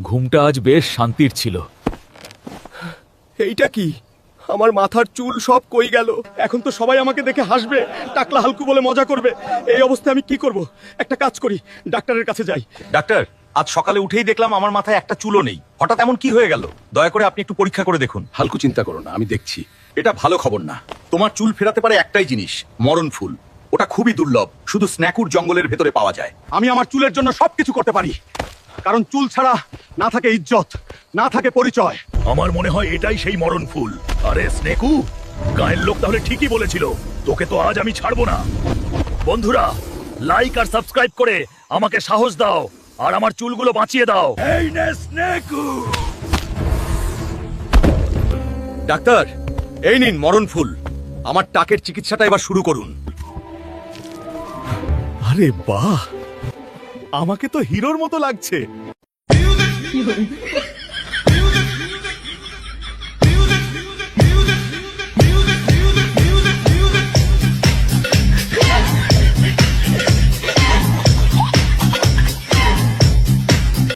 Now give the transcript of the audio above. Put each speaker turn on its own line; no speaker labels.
ঘুমটা আজ বেশ শান্তির ছিল।
এইটা কি? আমার মাথার চুল সব কই গেল। এখন তো সবাই আমাকে দেখে হাসবে, টাকলা হালকু বলে মজা করবে। এই অবস্থায় আমি কি করব? একটা কাজ করি, ডাক্তারের কাছে যাই।
ডাক্তার, আজ সকালে উঠেই দেখলাম আমার মাথায় একটা চুলও নেই। হঠাৎ এমন কি হয়ে গেল? দয়া করে আপনি একটু পরীক্ষা করে দেখুন।
হালকু, চিন্তা করো না, আমি দেখছি।
এটা ভালো খবর না। তোমার চুল ফেরাতে পারে একটাই জিনিস, মরণ ফুল। ওটা খুবই দুর্লভ, শুধু স্ন্যাকুর জঙ্গলের ভেতরে পাওয়া যায়।
আমি আমার চুলের জন্য সবকিছু করতে পারি, কারণ চুল ছাড়া না থাকে ইজ্জত, না থাকে পরিচয়।
আমার মনে হয় এটাই সেই মরণ ফুল। আরে স্নেকু, গায়ের লোক তাহলে ঠিকই বলেছিল। তোকে তো আজ আমি ছাড়বো না। বন্ধুরা, লাইক আর সাবস্ক্রাইব করে আমাকে সাহস দাও আর আমার চুলগুলো বাঁচিয়ে দাও। এই নে স্নেকু।
ডাক্তার, এই নিন মরণ ফুল। আমার টাকের চিকিৎসাটা এবার শুরু করুন।
আরে বাহ, আমাকে তো হিরোর মতো লাগছে।